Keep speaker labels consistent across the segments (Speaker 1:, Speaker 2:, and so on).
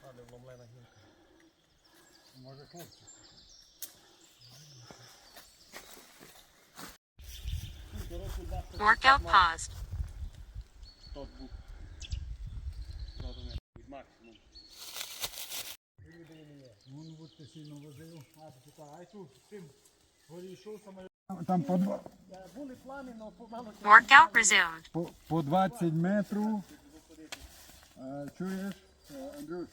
Speaker 1: Може хлопці.
Speaker 2: Workout paused.
Speaker 1: Вон будьте сильно возив. А тут з цим горі йшов саме. Там по два. Були плани, але помало.
Speaker 2: Workout resumed.
Speaker 1: По 20 метрів. Чуєш, Андрюша?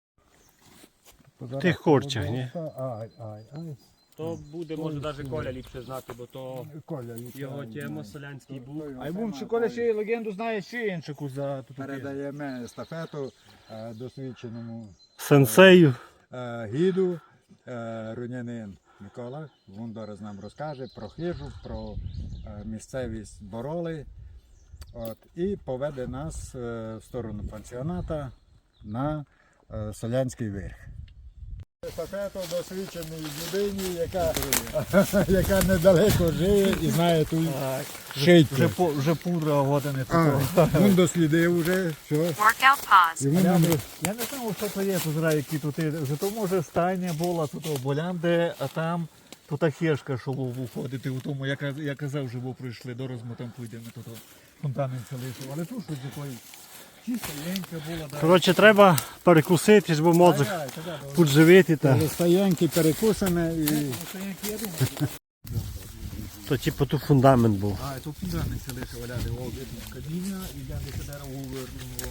Speaker 3: В тих корчах, ні?
Speaker 1: Ай.
Speaker 4: То буде, може, навіть Коля ліпше знати, бо то
Speaker 1: Коля,
Speaker 4: його тема Солянський був.
Speaker 1: А йому чи Коля ще легенду знає ще іншу за тут. Передаємо естафету досвідченому
Speaker 3: Сенсею.
Speaker 1: гіду рунянин Микола. Він зараз нам розкаже про хижу, про місцевість Бороли. І поведе нас в сторону пансіоната на Солянський верх. Естафету досвідченій людині, яка недалеко живе і знає тут шийки.
Speaker 3: Вже пудра години.
Speaker 1: Він дослідив вже, все.
Speaker 2: Workout paused.
Speaker 3: Я не знав, що то є, тут які тут. Зато може стайня була тут Болянде, а там тут хешка, що виходити у тому, я казав, що ви прийшли, дораз ми там підемо, тут фонтанин залишив. Але тут щось такої чистенька була. Коротше, треба перекусити, бо мозок підживити.
Speaker 1: Стоянки перекусане і...
Speaker 3: То типу тут фундамент був.
Speaker 1: А, тут фундамент залишив, валяти, о, видно, каміння, і я десь дерево увернуло.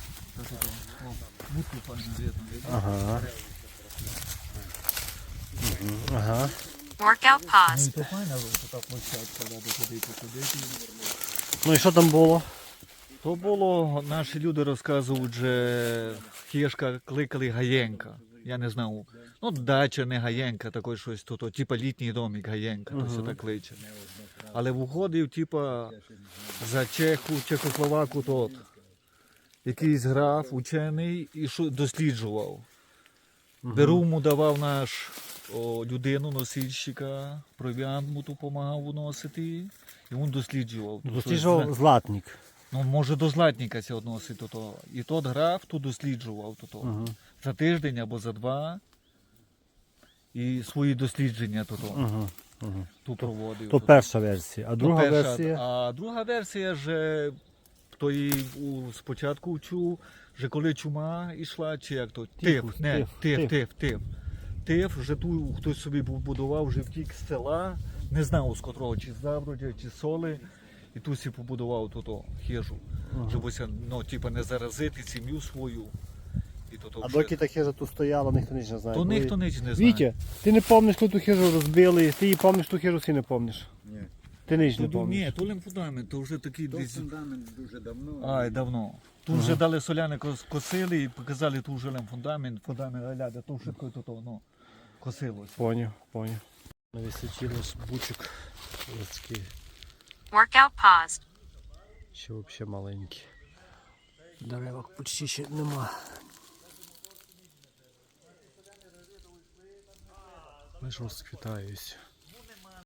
Speaker 1: Будку файно видно.
Speaker 3: Ага. Ага.
Speaker 2: Workout paused.
Speaker 1: То файно, що так площадка, да, доходити, ходити.
Speaker 3: Ну і що там було?
Speaker 1: То було, наші люди розказують, що хішка кликали Гаєнка. Я не знав. Ну, дача не Гаєнка, такий щось тут, типа літній домик Гаєнка, то все так кличе. Але виходив, типа, за Чехословаку тот. Якийсь граф, учений, і досліджував. Беру му давав наш людину, носильщика, провіант му ту допомагав уносити, і він досліджував.
Speaker 3: Досліджував златник.
Speaker 1: Ну, може, до златника це відносить. І тот граф тут досліджував за тиждень або за два. І свої дослідження тут проводив.
Speaker 3: То перша версія. А друга версія?
Speaker 1: А друга версія ж, хто її спочатку чув, що коли чума йшла, чи як то, тиф, вже ту хтось собі побудував, вже втік з села, не знав з котрого, чи з Забродя, чи з Соли. І тут всі побудував хижу, щоб не заразити сім'ю свою.
Speaker 3: А доки та хижа тут стояла, ніхто ніч не знає.
Speaker 1: То ніхто ніч не знає.
Speaker 3: Вітя, ти не пам'ятаєш, коли ту хижу розбили, ти її пам'ятаєш, ту хижу всі не пам'ятаєш?
Speaker 1: Ні.
Speaker 3: Ти ніч не
Speaker 1: Ні,
Speaker 3: пам'ятаєш?
Speaker 1: то фундамент, то вже такий десь...
Speaker 5: Фундамент дуже давно.
Speaker 1: Ай, давно. Тут вже дали соляни косили і показали тут вже фундамент, гляда, то швидко косилось.
Speaker 3: Поняв. Навісочилось бучок людський,
Speaker 2: Workout paused.
Speaker 3: ще взагалі маленький. Деревок почти ще нема. Лиш розквітаюсь.